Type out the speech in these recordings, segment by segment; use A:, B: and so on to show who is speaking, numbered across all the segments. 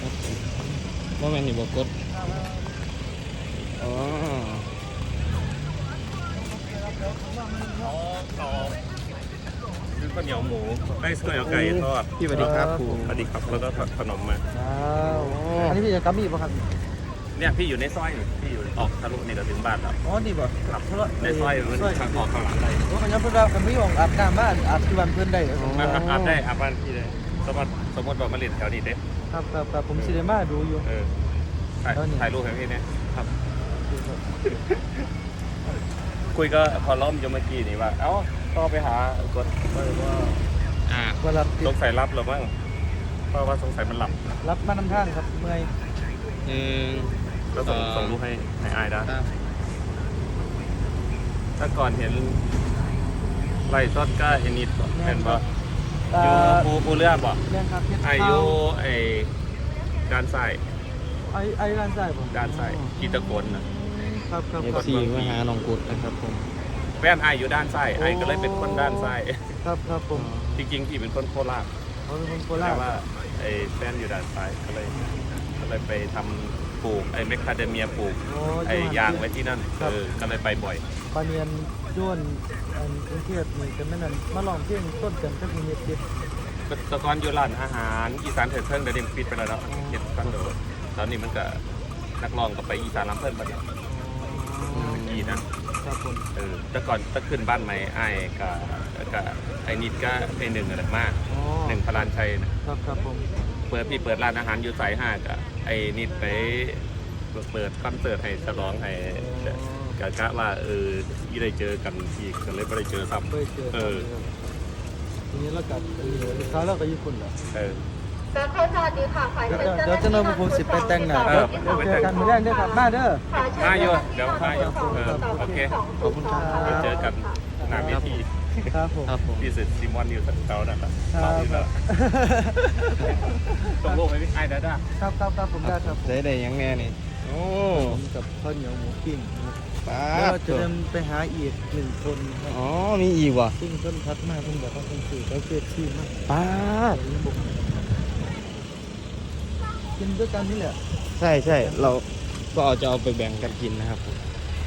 A: ว่าแม่นนี่บอกกดอ๋อ
B: ต่อซื้อข้าวเหนียวหมูได้ข้าวเหนียวไก่ทอด
A: พี่สวัสดีครับครู
B: สวัสดีครับแล้วก็ขนมมา
C: อันนี้พี่จะกลับมีป่ะครับ
B: เนี่ยพี่อยู่ในซอยนี่พี่อยู่ออกทะลุนี่เราถึงบ้านแล้ว
C: อ๋อนี่บ่
B: ครับในซอยมันทางออกข้างหลังได้
C: โอ้ยยังเพิ่นว่ากันไม่ออกอาบน้ำบ้านอาบที่บ้านเพิ่นได้
B: อาบได้อาบบ้านพี่เลยสมมติว่ามาเล่นแถวนี้เด้
C: ครับผมสิได้มาดูอยู่
B: ถ่ายรูปให้พี่เนี่ยครับคุยก็พอล้อมอยู่เมื่อกี้นี่ว่าเอ้าก็ไปหากดว่า
C: ว่ารับ
B: สงสัยรับหรือมั้งเพราะว่าสงสัยมันหลับ
C: รับมานำทางครับเมื่อย
B: แล้วส่งรูปให้อายได้ถ้าก่อนเห็นไล่ซอดก้าเอนิดเห็นป่ะอยู่ปูเรือป่ะ
C: แม่นครับเฮ็ด
B: อายุไอ้ด้านซ้าย
C: ไอ้ด้านซ้ายบ่
B: ด้านซ้ายกีตะโกนนะครับ
A: เอฟซีมาหาน้องกุดนะครับผม
B: แฟนไออยู่ด้านซ้ายไอก็เลยเป็นคนด้านซ้าย
C: ครับผม
B: จริงๆพี่เป็นคนโคราช
C: เขาเป็นคนโครา
B: แต่
C: ช
B: ว่าไอ้แฟนอยู่ด้านซ้ายก็เลยไปทำปลูกไอ้เมคคาเดเมียปลูกไอ้ยางไว้ที่นั่นก็เลยไปบ่อย
C: ปาเนียนย้วนอันกรุงเทพนี่ก็แม่นนั่นมาลองเพลงต้นกันกับมีเฮ็ดเฮ็ด
B: ตะกอนอยู่ร้านอาหารอีสานเถิดเทิงเดี๋ยวนี้ปิดไปแล้วเนาะเห็ดกันเดี๋ยวตอนนี้มันก็นักร้องก็ไปอีสานลำเพิ่นไปเนี่ยกี่นะครับ
C: ผม
B: แต่ก่อนถ้าขึ้นบ้านใหม่ไอ้กับไอ้นิดก็ไอ้หนึ่งอะไรมากหนึ่งพลานชัยนะครับ
C: ผม
B: พี่เปิดร้านอาหารอยู่สาย5กับไอ้นิดไปเปิดคอนเสิร์ตให้ฉลองให้กะว่าที่ได้เจอกันอีกก็เลยไม่ได้เจอซ้ำ
C: เคยเจอทีนี้เรากลับเขาเราก็ญี่ปุ่นเหรอ
D: แล้วเขาสวัสดีค่ะฝ่าย
C: เดี๋ยวจะนำผมสิไปแต่งหน้าเจอกันมื้อแรกเด้อครับมาเด้อ
B: มาอยู่เดี๋ยวมาอยู่โอเค
C: ขอบคุณครับ
B: ไปเจอกันหน้าเวที
C: ครับผม
A: ครับผม
B: พี่เสร็จซิมอนอยู่เตานะครับรออยู่แล้วส่งรูปให้พี่ไอ้ได้
C: ครับผมได้ครับ
A: ได้ยังแน่นี่โอ้
C: ผมกับข้าวเหนียวหมูปิ้ง
A: ป้า
C: แล้วจะเดินไปหาอีก1คนครับ
A: อ๋อมีอีกว่ะ
C: ซึ่งเพิ่นทักมาเพิ่นบอกว่าเพิ่นซื้อเขาเกิดที่มาก
A: ป้า
C: กินด้วยกันนี่แหละ
A: ใช่เราก็จะเอาไปแบ่งกันกินนะครับผม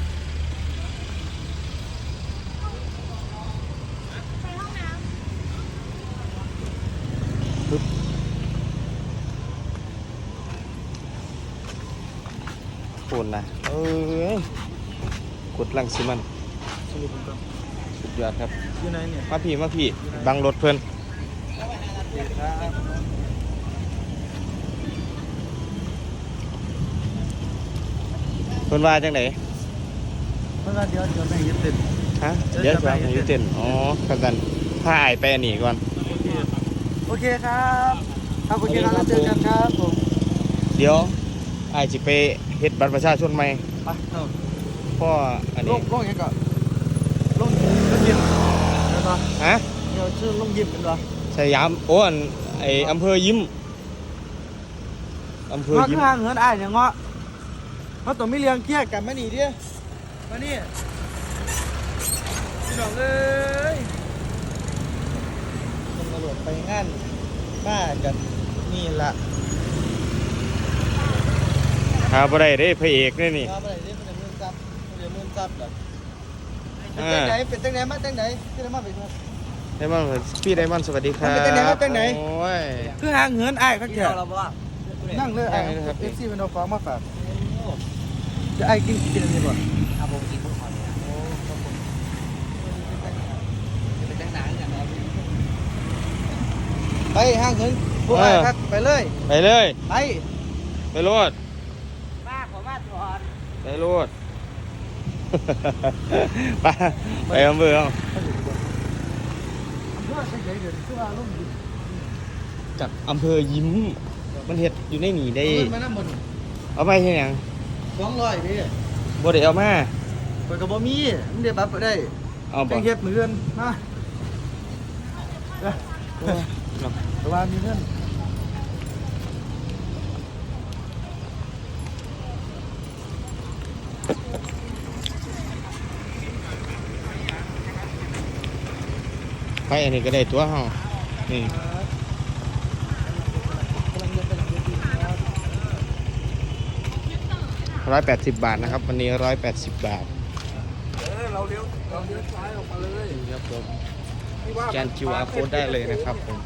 A: ปึ๊บปูนนะกดลังสิมัน
C: สรุปผมก็
A: สุดยอดครับ
C: อยู่ไหนเนี่ย
A: มาพี่บังรถเพื่อน
C: ครับ
A: เพื่อนว่าจังไหน
C: เพราะว่าเดี๋ยวไปยึดติด
A: ฮะเดี๋ยวจะไปอยู่เต้นอ๋อกันถ้าอายไปอันนี้ก่อน
C: โอเคครับโอเคครับแล้วเจอกันครับผม
A: เดี๋ยวอายจะไปเฮ็ดบัตรประชาชนใหม่
C: ไปเนาะ
A: เพราะอัน
C: ล
A: นี้
C: งยังก่อนลงยิมเป็นปะ
A: ฮะ
C: เดี๋ยวชื่อลงยิมเป็นปะ
A: สยามโอ้อันไออำเภอยิ้มอำเภอ
C: เงาะ
A: ยิ้ม
C: ข้างเหินอ้ายเนี่ยเงาะเขาต้องไม่เลี้ยงเกี้ยกันมาหนีดิมานี่พี่น้องเอ้ยตำรวจไปงานบ้ากันนี่ละ
A: หาบ่ได้เด้พระเอกนี่นี่
C: มาไปไหนดิเป็นมื่นซับเป็นมื่นซับเหรอเป็นตั้งไหนมาตั้งไหนที่ได้มาไปดู
A: ไดมอนด์พี่ไดมอนด์สวัสดีครับ
C: มันเป็นจังไหนครับจังไหน
A: โอ้ย
C: คือหางเหินอ้ายครับแกนั่งเลยอ้าย
A: นั่งเลยครับ
C: เอฟซีเป็นเอาฟ้ามาฝากจะไอ้กินอันนี้บ่
E: ครับผมกินพวกเขาเนี่ยจะเป็นตั้งนานอย่างไร
C: ไปหางเหินพวกอ้ายครับไปเลย
A: ไปเลย
C: ไป
A: ไปโลด
E: ป้าขอมาก่อน
A: ไปโลด ไปอำเภอเอาจากอำเภอยิ้มมันเห็ดอยู่ในหนีได้
C: มานั่งบน
A: เอาไปเห็นยัง
C: 200ดิ
A: บ่ได้เอามา
C: ไปกับบ่มีมันได้บัตรไปได้
A: เอาบ่
C: แจ้งเฮ็ดมื้ออื่นมาแต่ว่ามีเงิน
A: ไปอันนี้ก็ได้ตัวเฮานี่
C: กำลังเดินไปหลังเวทีครับ
A: 180 บาทนะครับ วันนี้180 บาท
C: เราเลี้ยวซ้ายออกมาเลย
A: ครับผมแกน QR code ได้เลยนะครับผม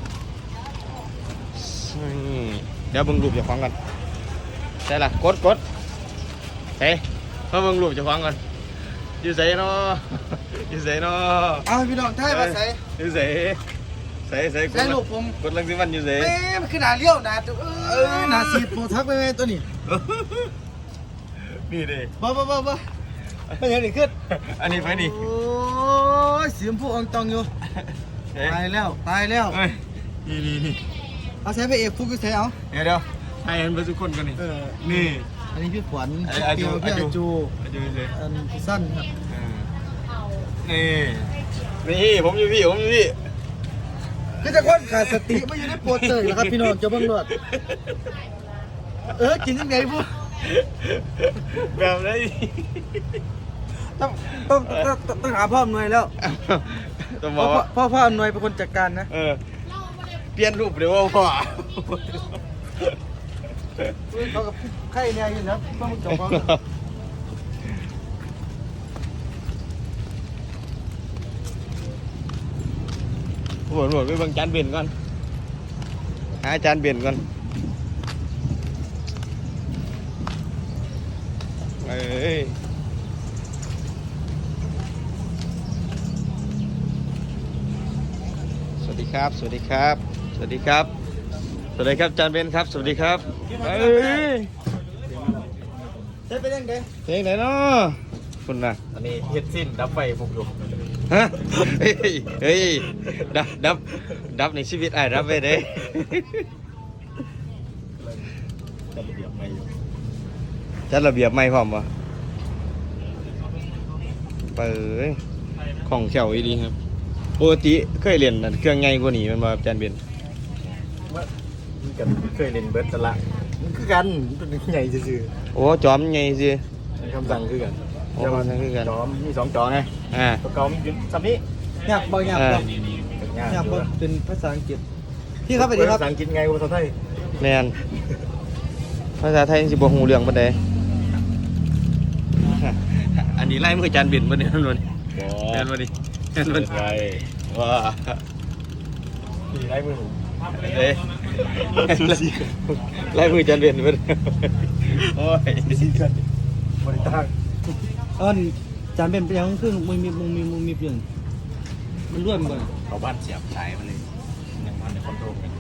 A: นี่เดี๋ยวเบิ่งรูปเจ้าของกันใช่ล่ะกดเฮ้ยมาเบิ่งรูปเจ้าของกันอยู่ไสเนาะอยู่ไสเนาะ
C: เอาพี่น้องท้ายมาใส่
A: อยู่ไสใส่
C: ใส่ลูกผม
A: กดลังสิมันอยู่ไส
C: แม่มันคือหนาเลี้ยวหนาตัวหนาสีโปรทักไปไหมตัวนี้
A: นี่ดิ
C: บ่ไม่เห็นอีกขึ้น
A: อันนี้ไปนี่
C: โอ้ยเสียมผู้อองตองอยู่
A: เอ้ย
C: ตายแล้ว
A: เอ้ยนี่
C: เอาใช้ไปเอกฟุกก็ใช้เอา
A: เดี๋ยวให้เห็นไปทุกคนกันนี่นี่
C: อันนี้พี่ขวัญ
A: อาจู
C: พี่อาจู
A: เลย
C: อันพี่สั้นครับ
A: นี่ผมอยู่พี่
C: คือจะคนขาดสติไม่อยู่ในโปรเตอร์เหรอครับพี่น้องเจ้าเบิ่งรวดกินยังไงพวก
A: แบบไหน
C: ต้องหาพ่ออำนวยแล้ว
A: ต้องบอกว่า
C: พ่ออำนวยเป็นคนจัดการนะ
A: เปลี่ยนรูปเดี๋ยวว่าพ่อ
C: เขากับไข่เนี่ยอยู่นะต้องจบเขา
A: หมดไปเบิ่งจานเบียนก่อนหาจานเบียนก่อนเอ้ยสวัสดีครับจานเบียนครับสวัสดีครับเอ้ย
C: ใช้ไปยังไง
A: เพลงไหนเนาะคุณน่ะ
B: อันนี้เฮ็ดสิ้นดับไฟผมอยู่
A: ฮะเฮ้ยดับในชีวิตไอ้รับไปเด้จัดระเบียบไม่พร้อมวะเปิดของเขียวอีดีครับปกติเคยเรียนเครื่องไงกว่านี้มันมาจานเบียน
B: กันเคยเล่นเบิร์ตละมันคือกันเป็นใหญ่ซื่อ
A: โอ้จอมไงสิ
B: ๆคำสั่งคือกัน
A: โอ้คำสั่งคือกัน
B: จอมมี2จอไง
A: อ่า
B: ตัวเก่ามันอยู่ซ้ำนี้
C: อยากบอกอยากบอกอยากบอกเป็นภาษาอังกฤษพี่ครับสวัสดีครับ
B: ภาษาอังกฤษไงภาษาไทย
A: แมนภาษาไทยสิบ่ฮู้เรื่องปานใดอันนี้ไล่มือจานเบียนบ่เนี่ยมันบ่นี่แม่นบ่นี่แม่นบ่นี่
B: ไง
A: ว้า
B: มีไรมือผม
A: เอ้ยไล่มือจานเบียนบ่เนี่ยโอ้ย
B: บริตั้ง
C: จานเป็นยังครึ่งมึงมีเปลี่ยนมันร่วนก่อน
B: เขาบ้านเสียบสายมาเลยยังมันในคอนโทรลกัน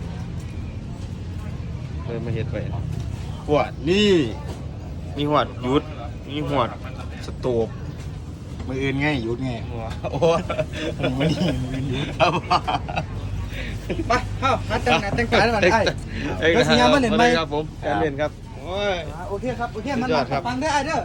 A: เลยมาเฮ็ดไว้หวดนี่มีหวดหยุดมีหวดสโตบ
B: มืออื่นไงหยุดไง
A: หัวโอ้
B: ผมไม่ได้มืออื่นหยุด
A: ครับ
C: ไปเข้าหาแต่งหน้าแต่งตาแล้วมันไอ้
A: เอ้ย
C: แล้วสัญญาณมาเห็นไหม
A: ครับผมการเรียนครับโอ้ย
C: โอเคครับมัน
A: สุดยอดครับ
C: ฟังได้ไอ้เด้อ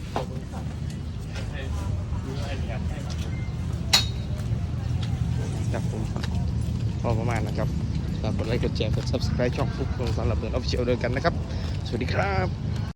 A: ครับผมพอประมาณนะครับฝากกดไลค์กดแชร์กด subscribe ช่องฟุกของสำหรับเพื่อนออฟฟิเชียลด้วยกันนะครับ สวัสดีครับ